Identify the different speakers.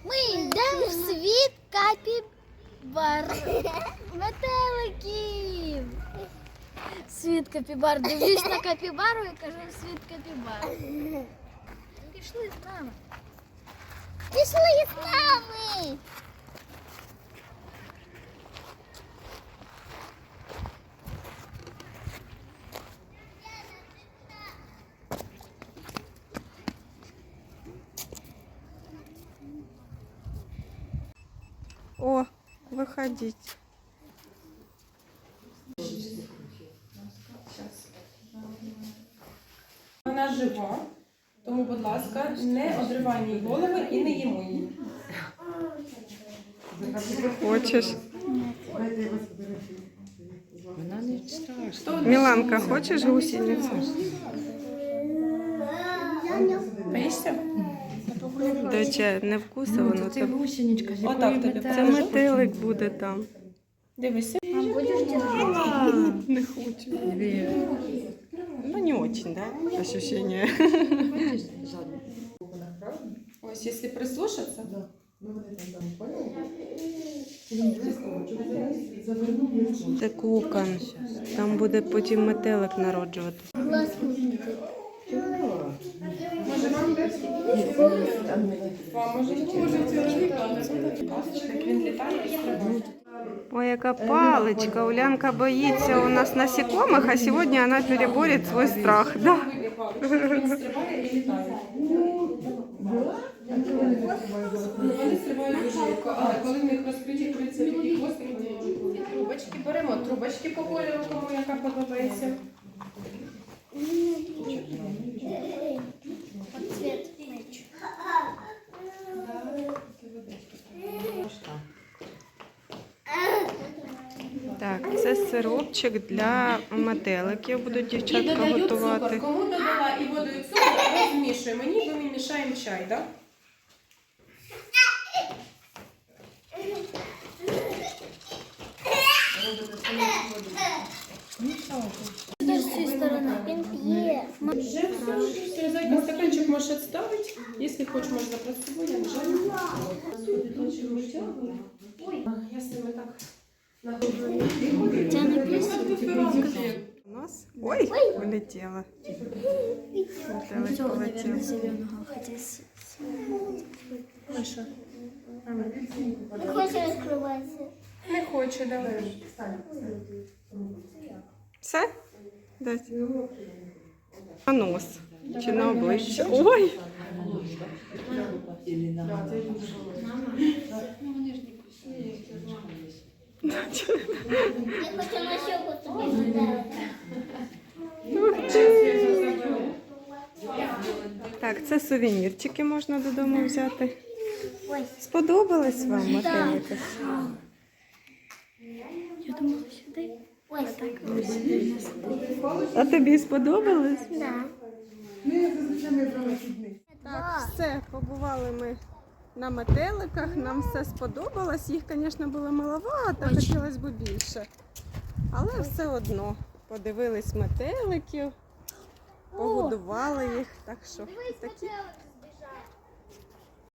Speaker 1: Ми йдемо в світ капібар. Метеликів. Світ капібар. Дивлюсь на капібару і кажу світ капібар. Пішли з нами. Пішли з нами.
Speaker 2: О, виходіть.
Speaker 3: Вона жива, тому, будь ласка, не одривай їй голови і не їмо її.
Speaker 2: Хочеш?
Speaker 4: Вона не страшна.
Speaker 2: Міланка, хочеш гусеницю?
Speaker 3: Боїшся?
Speaker 2: Доча, не вкуса воно.
Speaker 4: Це гусеничка, з
Speaker 3: Отак
Speaker 4: якої
Speaker 3: тобі.
Speaker 2: Це метелик буде там.
Speaker 3: Дивися.
Speaker 2: Не хочу. Ну, не очень, да, ощущение.
Speaker 3: Ось, якщо прислушатися.
Speaker 2: Це кокон. Там буде потім метелик народжувати.
Speaker 3: Як він літає і стрибає.
Speaker 2: Ой, яка паличка. Улянка боїться у нас насекомых, а сьогодні вона переборить свій страх. Да?
Speaker 3: Він стрибає і літає. Вони стрибають дуже легко, але коли в них розкриті крильця і хвостик, трубочки беремо. Трубочки по кольору, кому яка подобається.
Speaker 2: Так, це сиропчик для метеликів. Будуть
Speaker 3: І
Speaker 2: дівчатка
Speaker 3: додають
Speaker 2: готувати.
Speaker 3: цукор. Кому додала і воду, і цукор, розмішуємо. Ніби ми мішаємо чай, так?
Speaker 1: З цієї сторони. Він п'є.
Speaker 3: Вже все. Зайка, стаканчик можеш відставити. Якщо хочеш, можеш забрати з собою, я не жаль. Ой, я з ними так нагодую.
Speaker 1: Це не красиво.
Speaker 2: У нас... Ой, вилетіла. Метелик полетів.
Speaker 1: зеленого, хотя
Speaker 3: Ну що?
Speaker 1: не хоче розкриватися.
Speaker 3: Не хочу, давай.
Speaker 2: Все? Дать. На нос. Чи на обличчя. Ой!
Speaker 1: Я хочу на щеку тобі додати.
Speaker 2: Так, це сувенірчики можна додому взяти.
Speaker 1: Ой.
Speaker 2: Сподобалось вам метелики?
Speaker 1: Я думала сюди. Ой, так.
Speaker 2: А тобі сподобалось?
Speaker 1: Да.
Speaker 2: Так, все, побували ми на метеликах, нам все сподобалось. Їх, звісно, було маловато, хотілося б більше. Але все одно подивились метеликів, погодували їх. Так що такі